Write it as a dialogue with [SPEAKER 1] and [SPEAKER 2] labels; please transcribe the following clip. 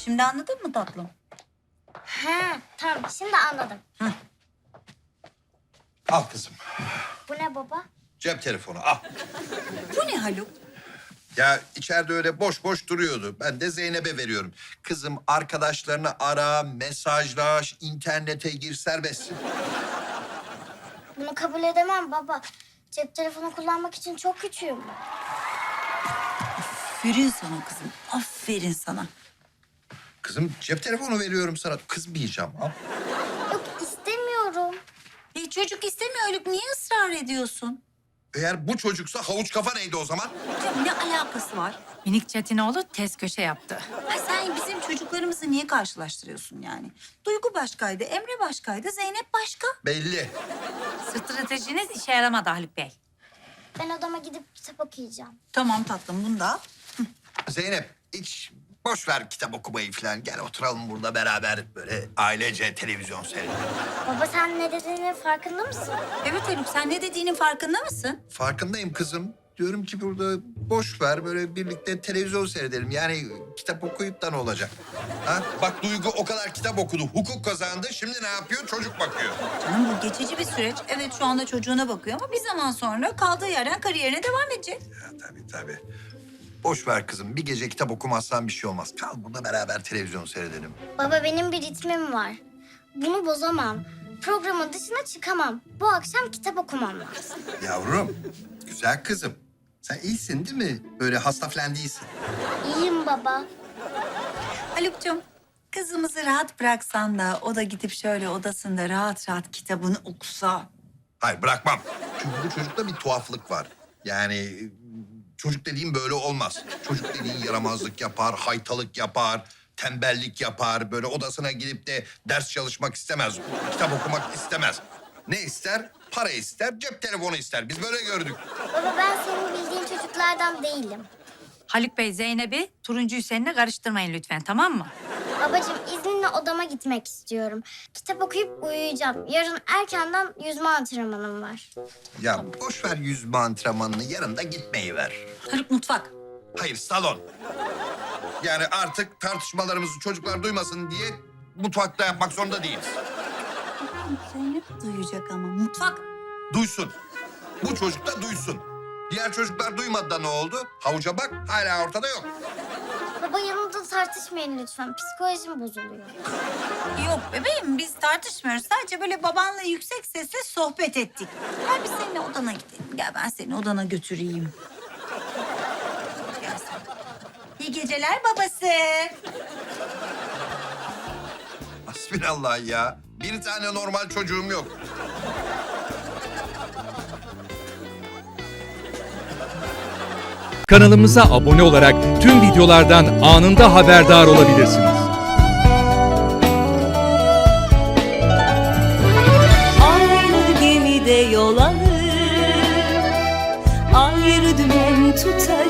[SPEAKER 1] Şimdi anladın mı tatlım?
[SPEAKER 2] Ha, tamam şimdi anladım.
[SPEAKER 3] Al kızım.
[SPEAKER 2] Bu ne baba?
[SPEAKER 3] Cep telefonu al.
[SPEAKER 1] Bu ne Haluk?
[SPEAKER 3] Ya içeride öyle boş boş duruyordu. Ben de Zeynep'e veriyorum. Kızım arkadaşlarını ara, mesajlaş, internete gir, serbestsin.
[SPEAKER 2] Bunu kabul edemem baba. Cep telefonu kullanmak için çok küçüğüm.
[SPEAKER 1] Aferin sana kızım. Aferin sana.
[SPEAKER 3] Kızım cep telefonu veriyorum sana. Kızmayacağım. Al.
[SPEAKER 2] Yok istemiyorum.
[SPEAKER 1] Çocuk istemiyor Haluk. Niye ısrar ediyorsun?
[SPEAKER 3] Eğer bu çocuksa havuç kafa neydi o zaman?
[SPEAKER 1] Ya ne alakası var?
[SPEAKER 4] Minik Çetinoğlu tez köşe yaptı.
[SPEAKER 1] Ha, sen bizim çocuklarımızı niye karşılaştırıyorsun yani? Duygu başkaydı, Emre başkaydı, Zeynep başka.
[SPEAKER 3] Belli.
[SPEAKER 4] Stratejiniz işe yaramadı Haluk Bey.
[SPEAKER 2] Ben odama gidip kitap okuyacağım.
[SPEAKER 1] Tamam tatlım, bunu da al.
[SPEAKER 3] Zeynep hiç boş ver kitap okumayı falan. Gel oturalım burada beraber böyle ailece televizyon seyredelim.
[SPEAKER 2] Baba sen ne dediğinin farkında mısın?
[SPEAKER 1] Evet Haluk, sen ne dediğinin farkında mısın?
[SPEAKER 3] Farkındayım kızım. Diyorum ki burada boş ver böyle birlikte televizyon seyredelim. Yani kitap okuyup da ne olacak? Ha? Bak Duygu o kadar kitap okudu, hukuk kazandı. Şimdi ne yapıyor? Çocuk bakıyor.
[SPEAKER 1] Canım bu geçici bir süreç. Evet şu anda çocuğuna bakıyor ama bir zaman sonra kaldığı yerden kariyerine devam edecek.
[SPEAKER 3] Ya, tabii. Boş ver kızım. Bir gece kitap okumazsan bir şey olmaz. Kal burada beraber televizyon seyredelim.
[SPEAKER 2] Baba benim bir ritmim var. Bunu bozamam. Programın dışına çıkamam. Bu akşam kitap okumam lazım.
[SPEAKER 3] Yavrum, güzel kızım. Sen iyisin değil mi? Böyle hasta falan değilsin.
[SPEAKER 2] İyiyim baba.
[SPEAKER 1] Haluk'cum kızımızı rahat bıraksan da o da gidip şöyle odasında rahat rahat kitabını okusa.
[SPEAKER 3] Hayır bırakmam. Çünkü bu çocukta bir tuhaflık var. Yani çocuk dediğim böyle olmaz. Çocuk dediğin yaramazlık yapar, haytalık yapar, tembellik yapar. Böyle odasına gidip de ders çalışmak istemez. Kitap okumak istemez. Ne ister? Para ister, cep telefonu ister. Biz böyle gördük.
[SPEAKER 2] Baba ben senin bildiğin çocuklardan değilim.
[SPEAKER 4] Haluk Bey Zeynep'i turuncu Hüseyin'le karıştırmayın lütfen, tamam mı?
[SPEAKER 2] Babacığım izninle odama gitmek istiyorum. Kitap okuyup uyuyacağım. Yarın erkenden yüzme antrenmanım var.
[SPEAKER 3] Ya boş ver yüzme antrenmanını, yarın da gitmeyi ver.
[SPEAKER 1] Haluk mutfak.
[SPEAKER 3] Hayır, salon. Yani artık tartışmalarımızı çocuklar duymasın diye mutfakta yapmak zorunda değiliz.
[SPEAKER 1] Zeynep duyacak ama mutfak.
[SPEAKER 3] Duysun. Bu çocuk da duysun. Diğer çocuklar duymadı da ne oldu? Havuca bak, hala ortada yok.
[SPEAKER 2] Baba yanımda tartışmayın lütfen. Psikolojim bozuluyor.
[SPEAKER 1] Yok bebeğim biz tartışmıyoruz. Sadece böyle babanla yüksek sesle sohbet ettik. Gel biz seninle odana gidelim. Gel ben seni odana götüreyim. Gel sen. İyi geceler babası.
[SPEAKER 3] Hasbinallah ya. Bir tane normal çocuğum yok.
[SPEAKER 5] Kanalımıza abone olarak tüm videolardan anında haberdar olabilirsiniz.
[SPEAKER 6] Aynı gemide yol alır, ayrı dümen tutar.